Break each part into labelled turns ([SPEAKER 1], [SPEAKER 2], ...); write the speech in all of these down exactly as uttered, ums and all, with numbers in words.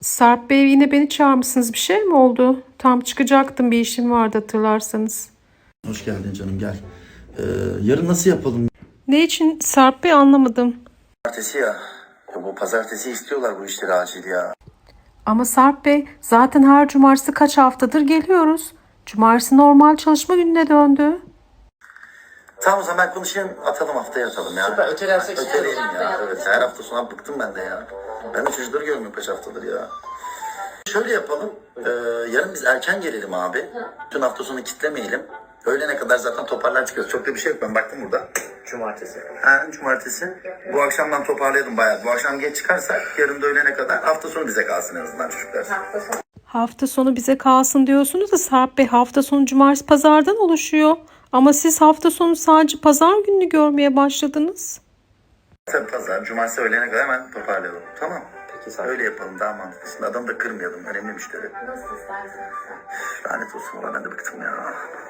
[SPEAKER 1] Sarp Bey yine beni çağırmışsınız. Bir şey mi oldu? Tam çıkacaktım, bir işim vardı hatırlarsanız.
[SPEAKER 2] Hoş geldin canım, gel. Ee, yarın nasıl yapalım?
[SPEAKER 1] Ne için Sarp Bey, anlamadım.
[SPEAKER 2] Pazartesi ya. Ya bu pazartesi istiyorlar bu işleri acil ya.
[SPEAKER 1] Ama Sarp Bey, zaten her cumartesi kaç haftadır geliyoruz. Cumartesi normal çalışma gününe döndü.
[SPEAKER 2] Tamam, o zaman ben konuşayım, atalım, haftaya atalım ya.
[SPEAKER 3] Süper, ötelersek şey
[SPEAKER 2] Öteleyelim
[SPEAKER 3] yapalım.
[SPEAKER 2] ya. Evet, her hafta sonu bıktım ben de ya. Ben de çocukları görmüyorum kaç haftadır ya. Şöyle yapalım. E, yarın biz erken gelelim abi. Bütün hafta sonu kitlemeyelim. Öğlene kadar zaten toparlar çıkıyoruz. Çok da bir şey yok, ben baktım burada.
[SPEAKER 3] Cumartesi.
[SPEAKER 2] Ha, cumartesi. Bu akşamdan toparlayalım bayağı. Bu akşam geç çıkarsak yarın da öğlene kadar hafta sonu bize kalsın en azından çocuklar.
[SPEAKER 1] Hafta sonu bize kalsın diyorsunuz da Sarp Bey, hafta sonu cumartesi pazardan oluşuyor. Ama siz hafta sonu sadece pazar gününü görmeye başladınız.
[SPEAKER 2] Tabii pazar, cumartesi öğlene kadar hemen toparlayalım. Tamam.
[SPEAKER 3] Peki sağ ol.
[SPEAKER 2] Öyle yapalım, daha mantıklı. Şimdi adamı da kırmayalım. Önemli müşteri.
[SPEAKER 4] Nasıl istersen.
[SPEAKER 2] Lanet olsun, valla ben de bıktım ya.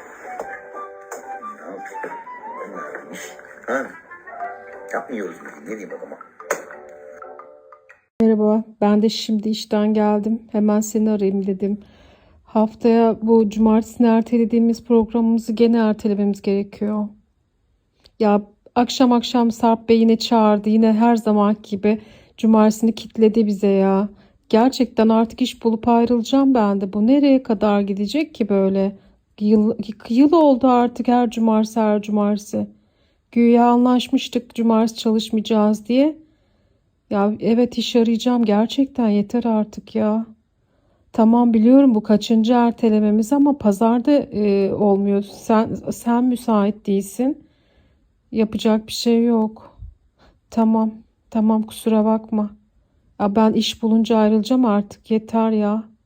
[SPEAKER 2] Ne yapayım? Ha? Yapmıyoruz mu? Ne diyeyim adama?
[SPEAKER 1] Merhaba, ben de şimdi işten geldim. Hemen seni arayayım dedim. Haftaya bu cumartesini ertelediğimiz programımızı gene ertelememiz gerekiyor. Ya akşam akşam Sarp Bey yine çağırdı. Yine her zaman gibi cumartesini kitledi bize ya. Gerçekten artık iş bulup ayrılacağım ben de. Bu nereye kadar gidecek ki böyle? Yıl, yıl oldu artık her cumartesi her cumartesi. Güya anlaşmıştık cumartesi çalışmayacağız diye. Ya evet, iş arayacağım gerçekten, yeter artık ya. Tamam, biliyorum bu kaçıncı ertelememiz ama pazarda e, olmuyor. Sen sen müsait değilsin. Yapacak bir şey yok. Tamam. Tamam, kusura bakma. Ya ben iş bulunca ayrılacağım artık, yeter ya.